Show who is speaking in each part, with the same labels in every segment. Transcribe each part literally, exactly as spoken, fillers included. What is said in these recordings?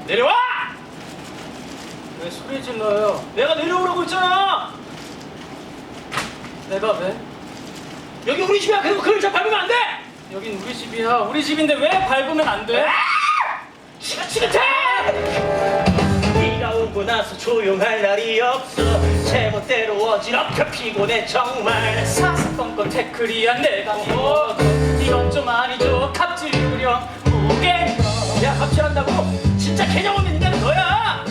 Speaker 1: 내려와!
Speaker 2: 왜 소리 질러요?
Speaker 1: 내가 내려오라고 했잖아.
Speaker 2: 내가 왜?
Speaker 1: 여기 우리 집이야. 그리고 그 의자 밟으면 안 돼.
Speaker 2: 여긴 우리 집이야. 우리 집인데 왜 밟으면 안 돼?
Speaker 1: 지긋지긋해! 네가 오고 나서 조용할 날이 없어. 제멋대로 어지럽혀 피곤해 정말.
Speaker 2: 사사건건 태클이야. 내가 뭐 이건 좀 아니죠. 갑질 부려 무게.
Speaker 1: 야 갑질한다고? 진짜 개념 없는 인간은 너야.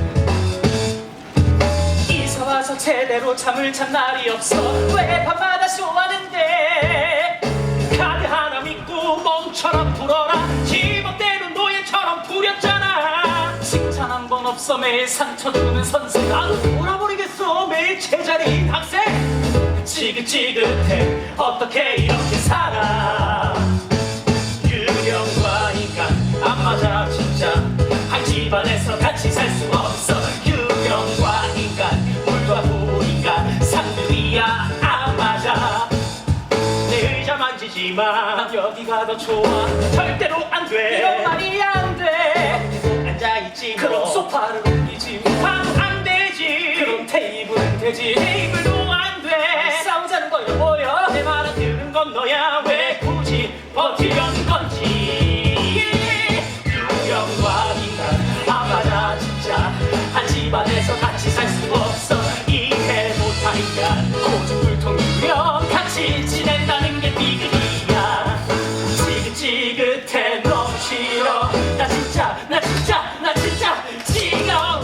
Speaker 2: 이사 와서 제대로 잠을 잔 날이 없어. 왜 밤마다 쇼하는데?
Speaker 1: 카드 하나 믿고 멍처럼 불어라. 지멋대로 노예처럼 부렸잖아.
Speaker 2: 칭찬 한 번 없어. 매일 상처 주는 선생.
Speaker 1: 나도 돌아버리겠어. 매일 제자리인 학생. 지긋지긋해. 어떻게 이렇게 살아. 유령과 인간 안 맞아 진짜. 한 집안에서 같이 살 수 없어. 유령과 인간 물과 불인간 상들이야 안 맞아. 내 의자 만지지 마.
Speaker 2: 난 여기가 더 좋아.
Speaker 1: 절대로 안 돼.
Speaker 2: 이건 말이 안 돼.
Speaker 1: 앉아있지 뭐.
Speaker 2: 그럼 소파를 옮기지.
Speaker 1: 하도 안 되지.
Speaker 2: 그럼 테이블은 되지.
Speaker 1: 테이블도 안 돼.
Speaker 2: 싸우자는 거야 뭐야?
Speaker 1: 내 말은 들은 건 너야. 왜 굳이 버티려는 건지. 유령과 인간 안 맞아 진짜. 한 집안에서 같이 살 수 없어. 이해 못한 인간
Speaker 2: 고집불통 유령.
Speaker 1: 같이 지낸다는 게 비극이야. 지긋지긋해 너무 싫어. 나 진짜 나 진짜 나 진짜 지겨워.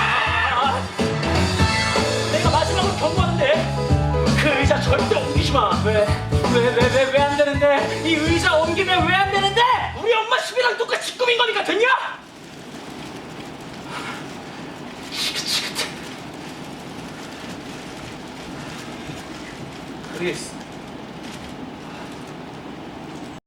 Speaker 1: 내가 마지막으로 경고하는데 그 의자 절대 옮기지 마.
Speaker 2: 왜? 왜 왜 왜 왜 안 되는데? 이 의자 옮기면 왜 안 되는데?
Speaker 1: 우리 엄마 집이랑 똑같이 꾸민 거니까 됐냐?
Speaker 2: 크리스,